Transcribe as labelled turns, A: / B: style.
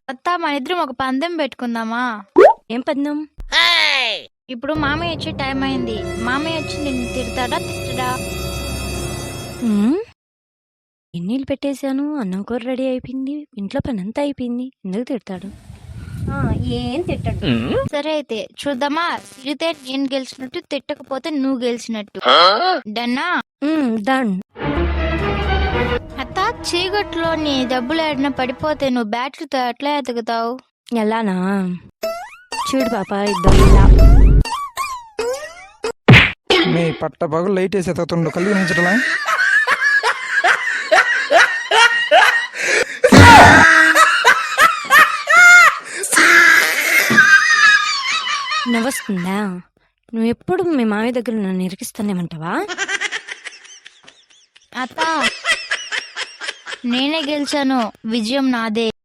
A: అత్త మన ఇద్దరం ఒక పందెం పెట్టుకుందామా?
B: ఏం పందెం?
A: ఇప్పుడు మామయ్య వచ్చే టైం అయింది. మామయ్య వచ్చి నిన్ను తిడతాడా తిట్టడా?
B: ఎన్నీళ్ళు పెట్టేశాను, అన్నం కూర రెడీ అయిపోయింది, ఇంట్లో పని అంతా అయిపోయింది, ఎందుకు తిడతాడు? ఏం తిట్టడు.
A: సరే అయితే చూద్దామా? తిడితే నేను గెలిచినట్టు, తిట్టకపోతే నువ్వు గెలిచినట్టు. డన్నా?
B: డన్.
A: అత్త చీకట్లో నీ డబ్బులు ఏడన పడిపోతే నువ్వు బ్యాటరీతో ఎట్లా ఎతుకుతావు?
B: ఎలానా? చూడు పాప, ఇద్దరు ఇలా
C: మీ పట్ట పగలు లైట్ వేసి ఎత్తుతుండు కళ్ళు కనిపించటలా?
B: నవ్వొస్తుందా? నువ్వు ఎప్పుడు మీ మామయ్య దగ్గర నన్ను ఇరికిస్తానేమంటావా?
A: అత్త నేనే గెలిచాను, విజయం నాదే.